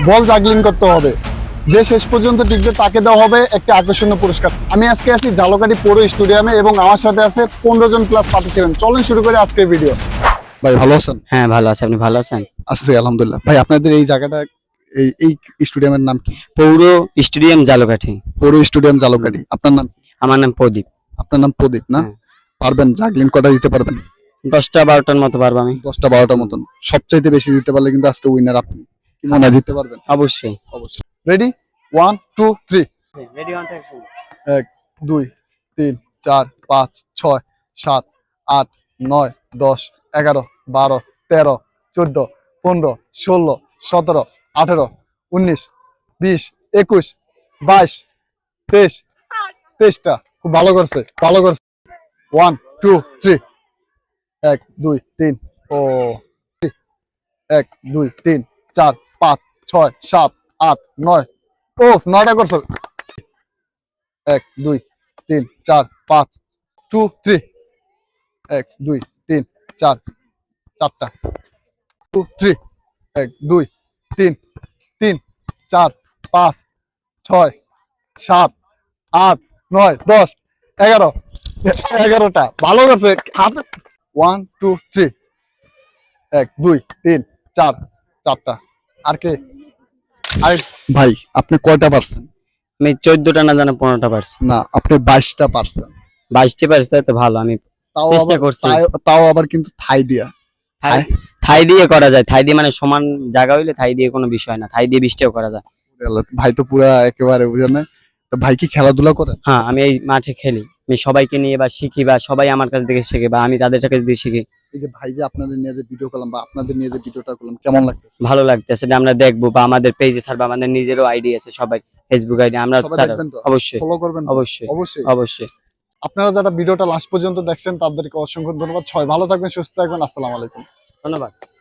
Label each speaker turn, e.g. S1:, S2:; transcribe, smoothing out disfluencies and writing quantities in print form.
S1: বল juggling করতে হবে। যে শেষ পর্যন্ত টিকবে তাকে দেওয়া হবে একটা আকর্ষণীয় পুরস্কার। আমি আজকে আছি ঝালকাঠি পৌর স্টেডিয়ামে এবং আমার সাথে আছে 15 জন প্লাস পার্টিসিপেন্ট। চলুন শুরু করি আজকের ভিডিও। ভাই ভালো আছেন?
S2: হ্যাঁ ভালো আছে, আপনি ভালো আছেন?
S1: আছি আলহামদুলিল্লাহ। ভাই আপনাদের এই জায়গাটা এই স্টেডিয়ামের নাম কি?
S2: পৌর স্টেডিয়াম ঝালকাঠি।
S1: পৌর স্টেডিয়াম ঝালকাঠি। আপনার নাম?
S2: আমার নাম প্রদীপ।
S1: আপনার নাম প্রদীপ না?
S2: হ্যাঁ।
S1: পারবেন জাগলিং কটা দিতে পারবেন?
S2: 10টা 12টার মতো পারবো আমি।
S1: 10টা 12টার মতন। সবচাইতে বেশি দিতে পারলে কিন্তু আজকে উইনার আপনি। কি মনে হয় জিততে পারবেন?
S2: অবশ্যই।
S1: অবশ্যই। রেডি 1 2 3।
S2: Ready on action.
S1: 1 2 3 4 5 6 7 8 9 10 11 12 13 14 15 16 17 18 19 20 21 22 23 23টা। খুব ভালো করছে, ভালো করছে। 1 2 3। 1 2 3 ও 1 2 3 4 5 6 7 8 9। ও 9টা করছে। 1 2 3 4 5 2 3। 1 2 3 4 4টা 2 3। 1 2 3 3 4 5 6 7 8 9 10 11 11টা। ভালো করছে। 1 2 3। 1 2 3 4 4টা। আর কে? আরে ভাই আপনি কয়টা পারছেন?
S2: আমি 14টা না জানা 15টা পারছি।
S1: না, আপনি 22টা পারছেন।
S2: 22টা পারছি তো ভালো, আমি
S1: তাও
S2: চেষ্টা
S1: আবার
S2: করছি।
S1: তাও আবার কিন্তু থাই দিয়া।
S2: থাই থাই দিয়ে করা যায়, থাই দিয়ে মানে সমান জায়গা হইলে থাই দিয়ে কোনো বিষয় না, থাই দিয়ে 20টাও করা যায়।
S1: ভাই তো পুরা একেবারে বুঝেন না। তো ভাই কি খেলাধুলা করেন?
S2: হ্যাঁ আমি এই মাঠে খেলি, আমি সবাইকে নিয়ে বা শিখি বা সবাই আমার কাছ থেকে শেখে বা আমি তাদের কাছ থেকে শিখি।
S1: এই যে ভাই যে আপনাদের নিয়ে যে ভিডিও করলাম বা আপনাদের নিয়ে যে ভিডিওটা করলাম কেমন লাগতেছে?
S2: ভালো লাগতেছে যে আমরা দেখবো বা আমাদের পেজে ছাড়বো, আমাদের নিজেরও আইডি আছে, সবাই ফেসবুক আইডি আমরা
S1: সবাই
S2: ছাড়বো।
S1: দেখবেন তো?
S2: অবশ্যই
S1: ফলো করবেন তো?
S2: অবশ্যই
S1: অবশ্যই।
S2: অবশ্যই।
S1: আপনারা যারা ভিডিওটা লাস্ট পর্যন্ত দেখছেন তাদেরকে অসংখ্য ধন্যবাদ। সবাই ভালো থাকবেন, সুস্থ থাকবেন। আসসালামু আলাইকুম।
S2: ধন্যবাদ।